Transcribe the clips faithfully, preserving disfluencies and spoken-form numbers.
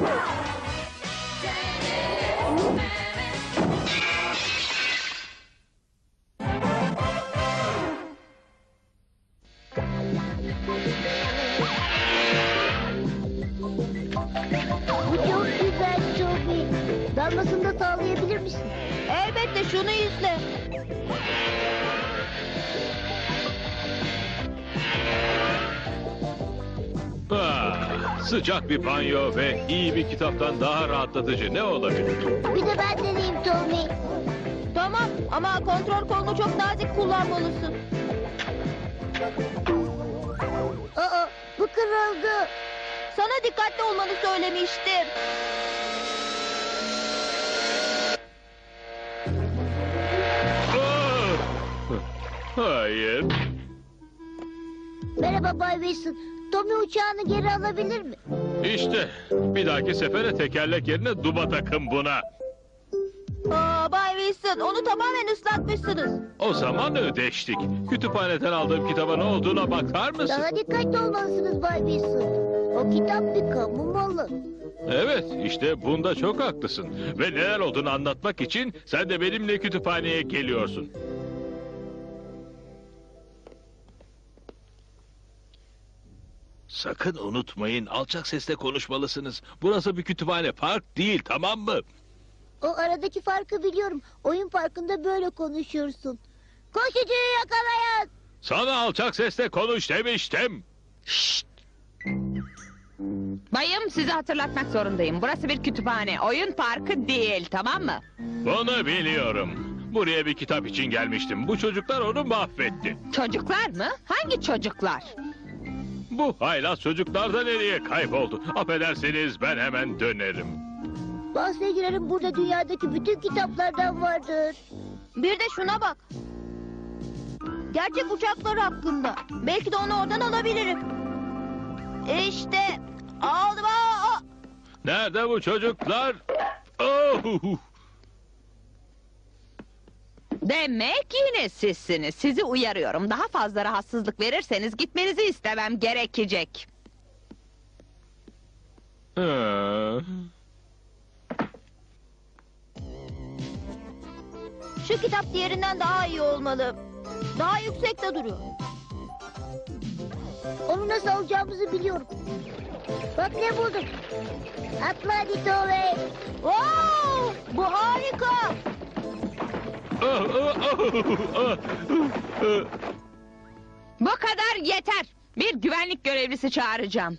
Bu çok güzel Toby. Dalmasını da sağlayabilir misin? Elbette, şunu izle. Ah, sıcak bir banyo ve iyi bir kitaptan daha rahatlatıcı ne olabilir? Bir de ben deneyeyim Tommy. Tamam ama kontrol kolunu çok nazik kullanmalısın. Aa, bu kırıldı. Sana dikkatli olmanı söylemiştim. Ah! Hayır. Merhaba Bay Wilson. Tommy uçağını geri alabilir mi? İşte bir dahaki sefere tekerlek yerine duba takın buna. Aa, Bay Wilson, onu tamamen ıslatmışsınız. O zaman ödeştik. Kütüphaneden aldığım kitaba ne olduğuna bakar mısın? Daha dikkatli olmalısınız Bay Wilson. O kitap bir kamu malı. Evet, işte bunda çok haklısın. Ve neler olduğunu anlatmak için sen de benimle kütüphaneye geliyorsun. Sakın unutmayın, alçak sesle konuşmalısınız. Burası bir kütüphane, park değil, tamam mı? O aradaki farkı biliyorum. Oyun parkında böyle konuşursun. Koşucuyu yakalayın. Sana alçak sesle konuş demiştim. Bayım, sizi hatırlatmak zorundayım. Burası bir kütüphane, oyun parkı değil, tamam mı? Bunu biliyorum. Buraya bir kitap için gelmiştim. Bu çocuklar onu mahvetti. Çocuklar mı? Hangi çocuklar? Bu haylaz çocuklar da nereye kayboldu? Affedersiniz, ben hemen dönerim. Bahse girerim, burada dünyadaki bütün kitaplardan vardır. Bir de şuna bak. Gerçek uçaklar hakkında. Belki de onu oradan alabilirim. İşte aldım. Aa! Nerede bu çocuklar? Oh! Demek yine sizsiniz. Sizi uyarıyorum. Daha fazla rahatsızlık verirseniz gitmenizi istemem gerekecek. Ha. Şu kitap diğerinden daha iyi olmalı. Daha yüksekte duruyor. Onu nasıl alacağımızı biliyorum. Bak ne buldum. Atla hadi Tommy. Wow! Bu harika. Ah, ah, ah, ah, ah. Bu kadar yeter. Bir güvenlik görevlisi çağıracağım.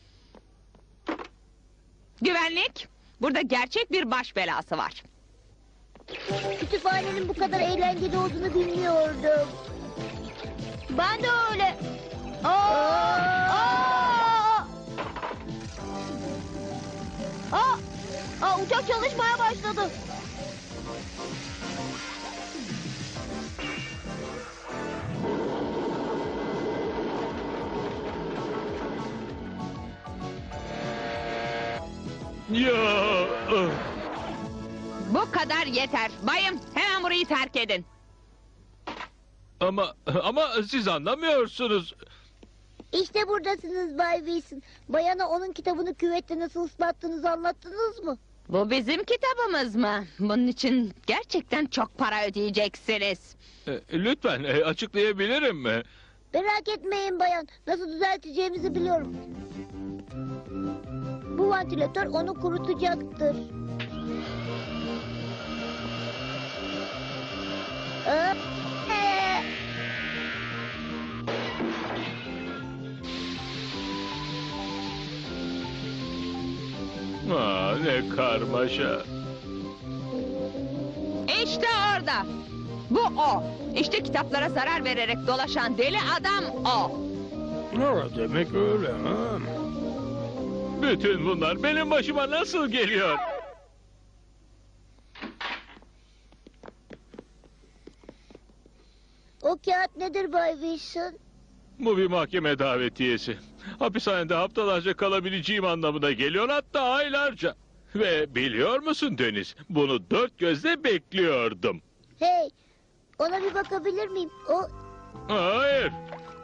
Güvenlik, burada gerçek bir baş belası var. Kütüphanenin bu kadar eğlenceli olduğunu bilmiyordum. Ben de öyle. Aa! Aa! Aa! Aa, uçak çalışmaya başladı. Ya, ah. Bu kadar yeter. Bayım, hemen burayı terk edin. Ama ama siz anlamıyorsunuz. İşte buradasınız Bay Wilson. Bayana onun kitabını küvette nasıl ıslattığınızı anlattınız mı? Bu bizim kitabımız mı? Bunun için gerçekten çok para ödeyeceksiniz. E, Lütfen e, açıklayabilirim mi? Merak etmeyin bayan. Nasıl düzelteceğimizi biliyorum. Bu vantilatör onu kurutacaktır. Aa, ee. Aa, ne karmaşa. İşte orada. Bu o. İşte kitaplara zarar vererek dolaşan deli adam o. Ne demek öyle ha? Bütün bunlar benim başıma nasıl geliyor? O kağıt nedir Bay Wilson? Bu bir mahkeme davetiyesi. Hapishanede haftalarca kalabileceğim anlamına geliyor, hatta aylarca. Ve biliyor musun Deniz, bunu dört gözle bekliyordum. Hey, ona bir bakabilir miyim? O Hayır.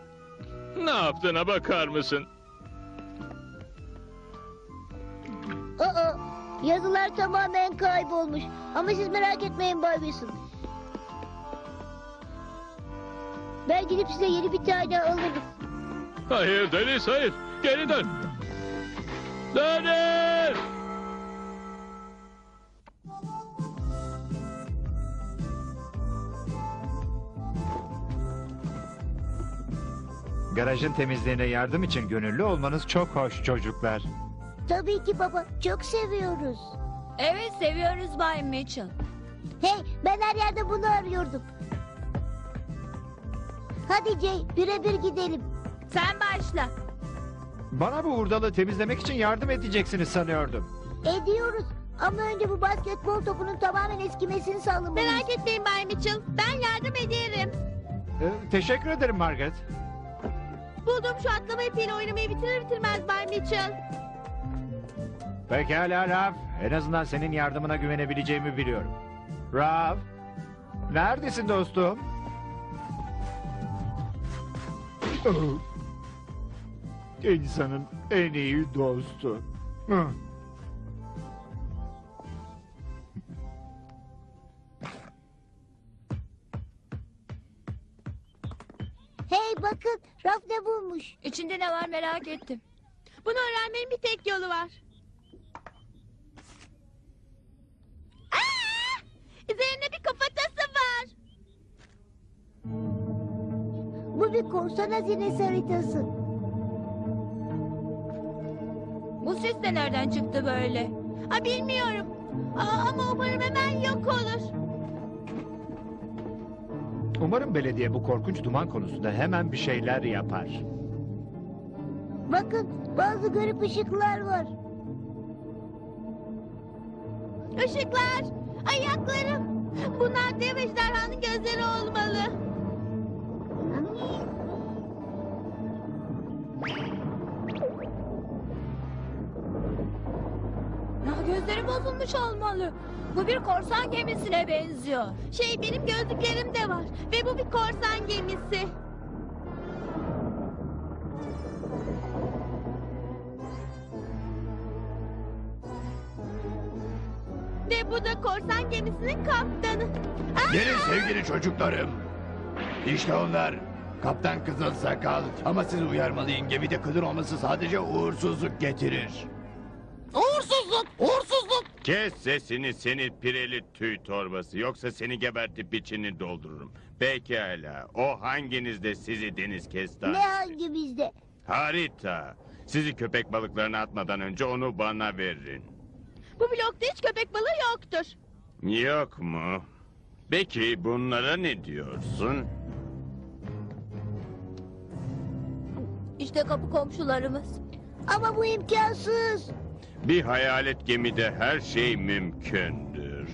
Ne yaptığına bakar mısın? Aa, yazılar tamamen kaybolmuş. Ama siz merak etmeyin Bay Wilson. Ben gidip size yeni bir tane alırım. Hayır Deniz, hayır. Geri dön. Deniz! Garajın temizliğine yardım için gönüllü olmanız çok hoş çocuklar. Tabii ki baba, çok seviyoruz. Evet seviyoruz Bay Mitchell. Hey, ben her yerde bunu arıyordum. Hadi Jay, birebir gidelim. Sen başla. Bana bu hurdalığı temizlemek için yardım edeceksiniz sanıyordum. Ediyoruz. Ama önce bu basketbol topunun tamamen eskimesini sağlamalıyız. Merak etmeyin Bay Mitchell. Ben yardım ederim. Ee, teşekkür ederim Margaret. Buldum şu atlama ipiyle oynamayı bitirir bitirmez Bay Mitchell. Pekala Raf. En azından senin yardımına güvenebileceğimi biliyorum. Raf. Neredesin dostum? Oh. İnsanın en iyi dostu. Hı. Hey bakın, Raf ne bulmuş? İçinde ne var merak ettim. Bunu öğrenmenin bir tek yolu var. Aa! Üzerinde bir kafatası var. Bu bir korsan hazinesi haritası. Bu ses de nereden çıktı böyle? Ha bilmiyorum. Aa, ama umarım hemen yok olur. Umarım belediye bu korkunç duman konusunda hemen bir şeyler yapar. Bakın, bazı garip ışıklar var. Işıklar, ayaklarım. Bunlar dev ejderhanın gözleri olmalı. Ya gözleri bozulmuş olmalı. Bu bir korsan gemisine benziyor. Şey benim gözlüklerim de var ve bu bir korsan gemisi. Ve bu da korsan gemisinin kaptanı. Aa! Gelin sevgili çocuklarım. İşte onlar. Kaptan Kızıl Sakal. Ama sizi uyarmalıyım. Gemide kılın olması sadece uğursuzluk getirir. Kes sesini seni pireli tüy torbası. Yoksa seni gebertip içini doldururum. Pekala. O hanginizde sizi deniz kestanesi? Ne hangi bizde? Harita. Sizi köpek balıklarına atmadan önce onu bana verin. Bu blokta hiç köpek balığı yoktur. Yok mu? Peki bunlara ne diyorsun? İşte kapı komşularımız. Ama bu imkansız. Bir hayalet gemide her şey mümkündür.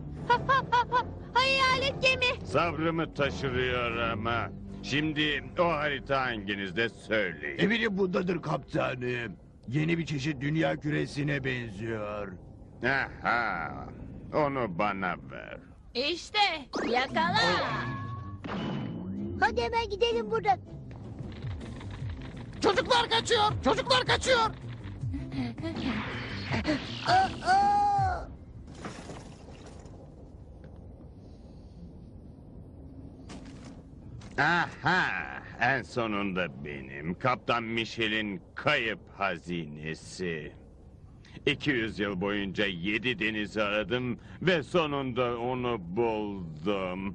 Hayalet gemi. Sabrımı taşırıyor ama. Şimdi o harita hanginizde söyleyin. Eminim bundadır kaptanım. Yeni bir çeşit dünya küresine benziyor. Aha, onu bana ver. İşte yakala. Hadi hemen gidelim buradan. Çocuklar kaçıyor! Çocuklar kaçıyor! Aa! Aha, en sonunda benim. Kaptan Michel'in kayıp hazinesi. iki yüz yıl boyunca yedi denizi aradım ve sonunda onu buldum.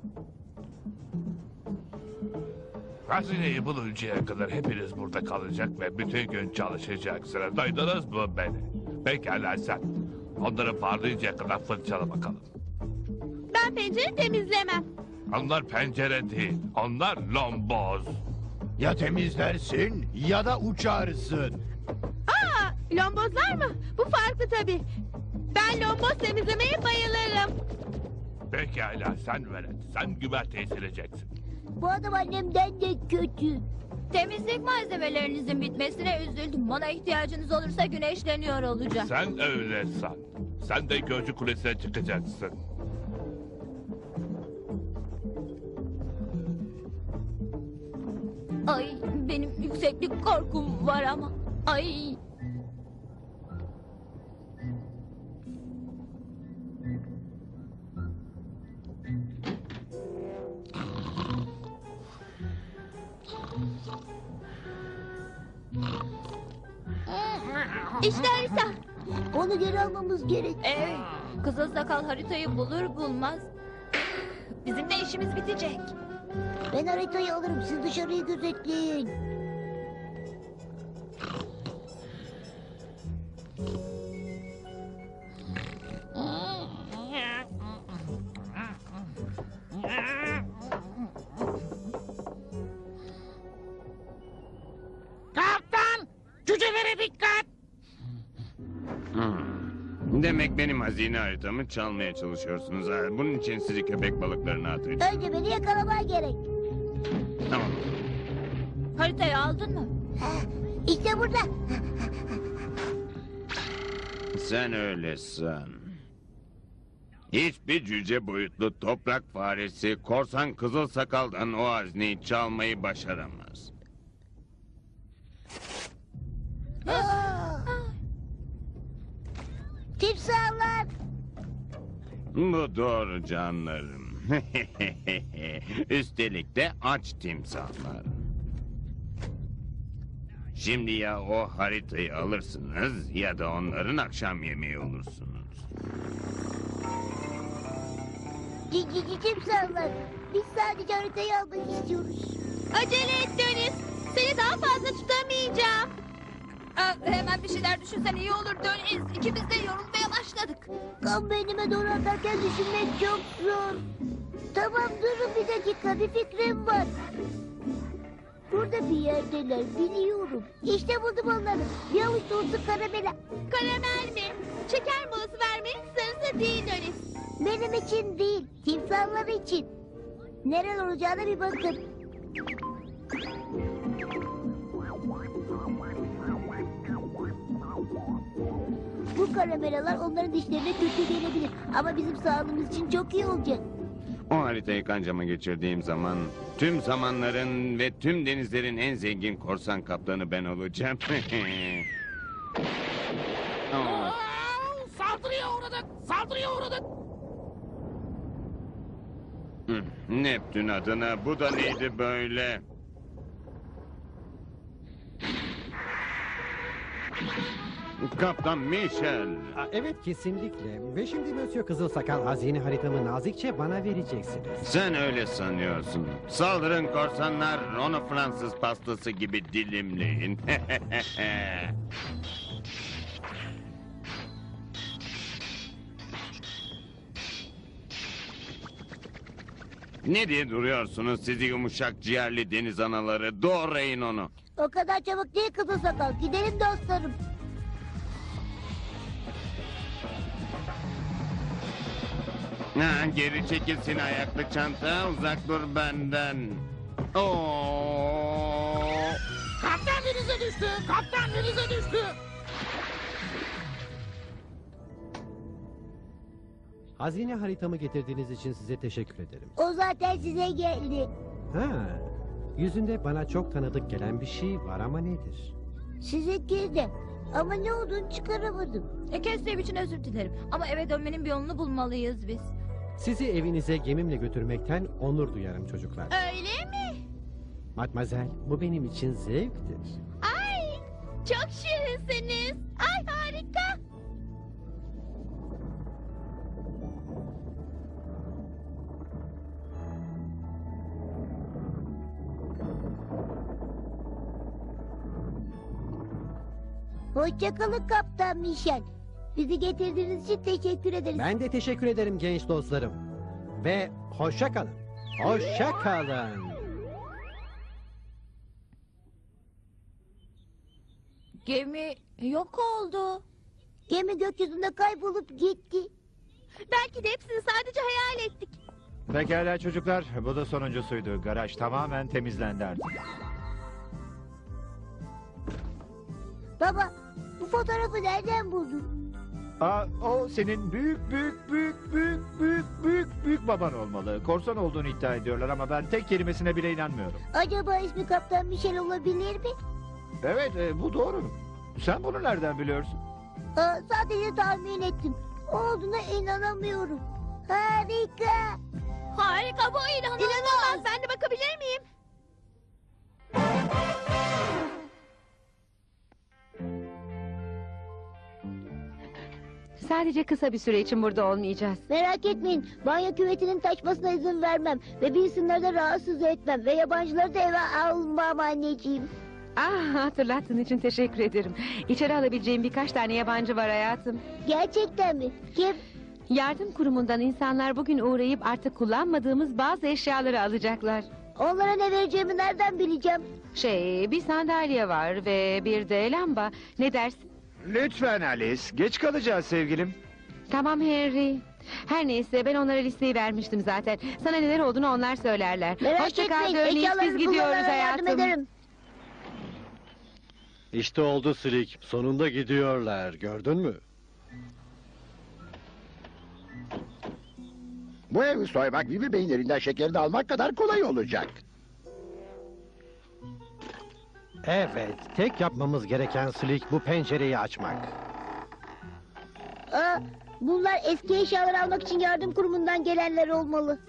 Hazineyi buluncaya kadar hepiniz burada kalacak ve bütün gün çalışacaksınız. Duydunuz mu beni? Pekala sen. Onları parlayıncaya kadar fırçala bakalım. Ben pencere temizlemem. Onlar pencere değil, onlar lomboz. Ya temizlersin ya da uçarsın. Aa, lombozlar mı? Bu farklı tabii. Ben lomboz temizlemeye bayılırım. Pekala sen velet, sen güverteyi sileceksin. Bu adam annemden de kötü. Temizlik malzemelerinizin bitmesine üzüldüm. Bana ihtiyacınız olursa güneşleniyor olacağım. Sen öyle san. Sen de gözcü kulesine çıkacaksın. Ay benim yükseklik korkum var ama. Ay. İşte harita. Onu geri almamız gerek. Evet. Kızıl sakal haritayı bulur bulmaz bizim de işimiz bitecek. Ben haritayı alırım. Siz dışarıyı gözetleyin. Kaptan! Cücelere dikkat! Hmm. Demek benim hazine haritamı çalmaya çalışıyorsunuz ha. Bunun için sizi köpek balıklarına atacağım. Önce beni yakalaman gerek. Tamam. Haritayı aldın mı? İşte burada. Sen öyle san. Hiçbir cüce boyutlu toprak faresi korsan kızıl sakaldan o hazineyi çalmayı başaramaz. Aa! Timsahlar. Bu doğru canlarım. Üstelik de aç timsahlar. Şimdi ya o haritayı alırsınız ya da onların akşam yemeği olursunuz. Cici timsahlar. Biz sadece haritayı almak istiyoruz. Acele et Deniz. Seni daha fazla tutamayacağım. Aa, hemen bir şeyler düşünsen iyi olur Deniz. İkimiz de yorulmaya başladık. Kan beynime doğru atarken düşünmek çok zor. Tamam durun bir dakika, bir fikrim var. Burada bir yerdeler, biliyorum. İşte buldum onları. Bir avuç dolusu karamela. Karamel mi? Şeker molası vermenin sırası değil Deniz. Benim için değil, timsahlar için. Nerede olacağına bir bakın. Bu karamelalar onların dişlerine kötü gelebilir. Ama bizim sağlığımız için çok iyi olacak. O haritayı kancama geçirdiğim zaman tüm zamanların ve tüm denizlerin en zengin korsan kaptanı ben olacağım. Oh. Aa, saldırıya uğradık! Saldırıya uğradık! Hı, Neptün adına bu da neydi böyle? Kaptan Michel. Aa, Evet kesinlikle. Ve şimdi Monsieur Kızılsakal hazine haritamı nazikçe bana vereceksiniz. Sen öyle sanıyorsun. Saldırın korsanlar, onu Fransız pastası gibi dilimleyin. Ne diye duruyorsunuz sizi yumuşak ciğerli deniz anaları? Doğrayın onu. O kadar çabuk değil kızıl sakal. Gidelim dostlarım. Ha, geri çekilsin ayaklı çanta, uzak dur benden. Oo. Kaptan denize düştü! Kaptan denize düştü! Hazine haritamı getirdiğiniz için size teşekkür ederim. O zaten size geldi. Ha, yüzünde bana çok tanıdık gelen bir şey var ama nedir? Sizinki de. Ama ne olduğunu çıkaramadım. E, Kesrev için özür dilerim. Ama eve dönmenin bir yolunu bulmalıyız biz. Sizi evinize gemimle götürmekten onur duyarım çocuklar. Öyle mi? Matmazel, bu benim için zevktir. Ay çok şirinsiniz. Ay harika. Hoşçakalın Kaptan Michel. Bizi getirdiğiniz için teşekkür ederiz. Ben de teşekkür ederim genç dostlarım. Ve hoşça kalın. Hoşça kalın. Gemi yok oldu. Gemi gökyüzünde kaybolup gitti. Belki de hepsini sadece hayal ettik. Pekala çocuklar, bu da sonuncusuydu. Garaj tamamen temizlendi artık. Baba, bu fotoğrafı nereden buldun? Aa, o senin büyük büyük büyük büyük büyük büyük büyük baban olmalı. Korsan olduğunu iddia ediyorlar ama ben tek kelimesine bile inanmıyorum. Acaba ismi Kaptan Michel olabilir mi? Evet, e, bu doğru. Sen bunu nereden biliyorsun? Aa, sadece tahmin ettim. O olduğuna inanamıyorum. Harika. Harika bu inanılmaz. İnanılmaz. Ben de bakabilir miyim? Sadece kısa bir süre için burada olmayacağız. Merak etmeyin. Banyo küvetinin taşmasına izin vermem. Ve Wilson'ları da rahatsız etmem. Ve yabancıları da eve almam anneciğim. Ah, hatırlattığın için teşekkür ederim. İçeri alabileceğim birkaç tane yabancı var hayatım. Gerçekten mi? Kim? Yardım kurumundan insanlar bugün uğrayıp artık kullanmadığımız bazı eşyaları alacaklar. Onlara ne vereceğimi nereden bileceğim? Şey, bir sandalye var ve bir de lamba. Ne dersin? Lütfen Alice, geç kalacağız sevgilim. Tamam Henry. Her neyse ben onlara listeyi vermiştim zaten. Sana neler olduğunu onlar söylerler. Merak Hoşça kal etmeyin. Dörneyiz, Eşyaları biz gidiyoruz bulmalarına yardım hayatım. ederim. İşte oldu Slick. Sonunda gidiyorlar. Gördün mü? Bu evi soymak Vivi Bey'in elinden şekerini almak kadar kolay olacak. Evet. Tek yapmamız gereken Slick bu pencereyi açmak. Aa, bunlar eski eşyaları almak için yardım kurumundan gelenler olmalı.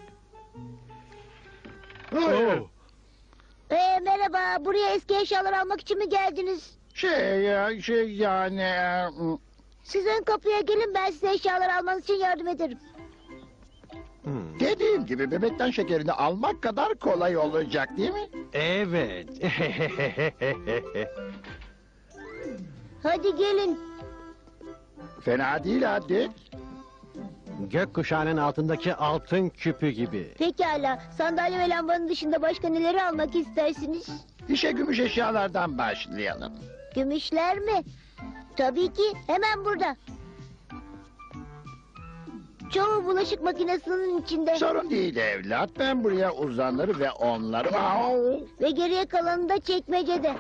Hayır. Ee, merhaba. Buraya eski eşyalar almak için mi geldiniz? Şey ya, şey yani... e, Siz ön kapıya gelin, ben size eşyalar almanız için yardım ederim. Hmm. Dediğim gibi bebekten şekerini almak kadar kolay olacak değil mi? Evet. Hadi gelin. Fena değil hadi. Gökkuşağının altındaki altın küpü gibi. Pekala. Sandalye ve lambanın dışında başka neleri almak istersiniz? İşe gümüş eşyalardan başlayalım. Gümüşler mi? Tabii ki. Hemen burada. Çoğu bulaşık makinesinin içinde. Sorun değil evlat. Ben buraya uzanır ve onları... Au! Ve geriye kalanı da çekmecede.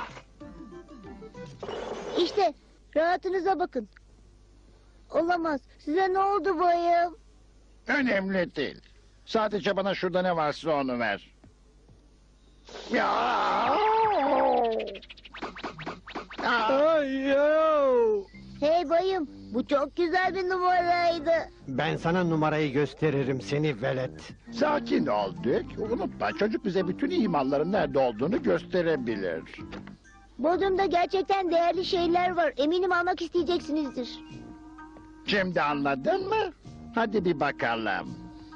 İşte rahatınıza bakın. Olamaz. Size ne oldu bayım? Önemli değil. Sadece bana şurada ne varsa onu ver. Ya! Ay, yo! Hey bayım, bu çok güzel bir numaraydı. Ben sana numarayı gösteririm seni velet. Sakin ol Dick. Unutma çocuk bize bütün iyi malların nerede olduğunu gösterebilir. Bodrum'da gerçekten değerli şeyler var. Eminim almak isteyeceksinizdir. Şimdi anladın mı? Hadi bir bakalım.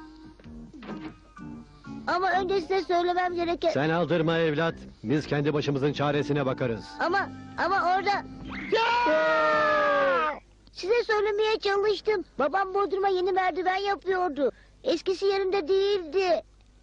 Ama önce size söylemem gereken... Sen aldırma evlat. Biz kendi başımızın çaresine bakarız. Ama, ama orada... Size söylemeye çalıştım. Babam Bodrum'a yeni merdiven yapıyordu. Eskisi yerinde değildi.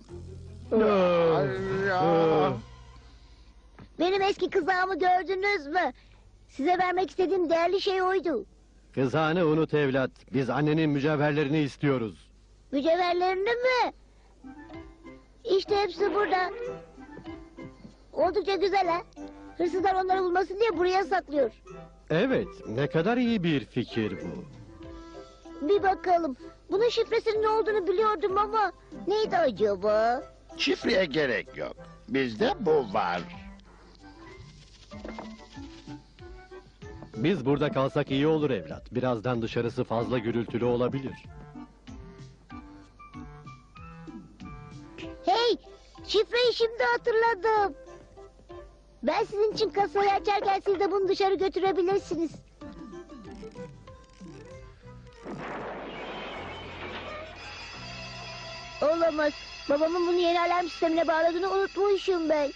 Ya. Benim eski kızağımı gördünüz mü? Size vermek istediğim değerli şey oydu. Kızağını unut evlat. Biz annenin mücevherlerini istiyoruz. Mücevherlerini mi? İşte hepsi burada. Oldukça güzel ha. Hırsızlar onları bulmasın diye buraya saklıyor. Evet, ne kadar iyi bir fikir bu. Bir bakalım. Bunun şifresinin ne olduğunu biliyordum ama... Neydi acaba? Şifreye gerek yok. Bizde bu var. Biz burada kalsak iyi olur evlat. Birazdan dışarısı fazla gürültülü olabilir. Hey! Şifreyi şimdi hatırladım. Ben sizin için kasayı açarken siz de bunu dışarı götürebilirsiniz. Olamaz. Babamın bunu yeni alarm sistemine bağladığını unutmuşum ben.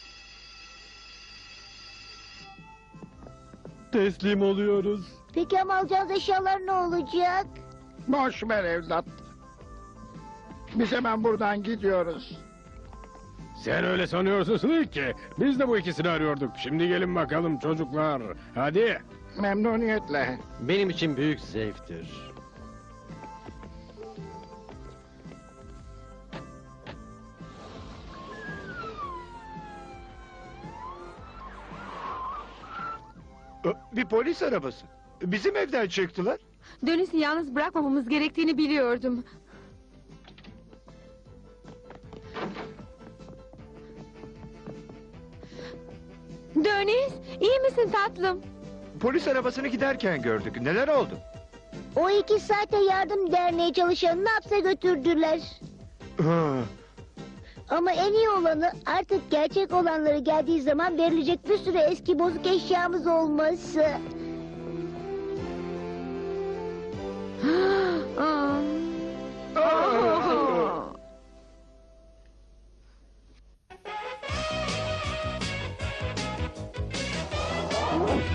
Teslim oluyoruz. Peki ama alacağınız eşyalar ne olacak? Boş ver evlat. Biz hemen buradan gidiyoruz. Sen öyle sanıyorsun ki. Biz de bu ikisini arıyorduk. Şimdi gelin bakalım çocuklar. Hadi. Memnuniyetle. Benim için büyük zevktir. Bir polis arabası. Bizim evden çıktılar. Dönüşü yalnüz bırakmamamız gerektiğini biliyordum. Döniz, iyi misin tatlım? Polis arabasını giderken gördük. Neler oldu? O iki saate yardım derneği çalışanını hapse götürdüler. Ha, Ama en iyi olanı artık gerçek olanları geldiği zaman verilecek bir sürü eski bozuk eşyamız olması. Aa!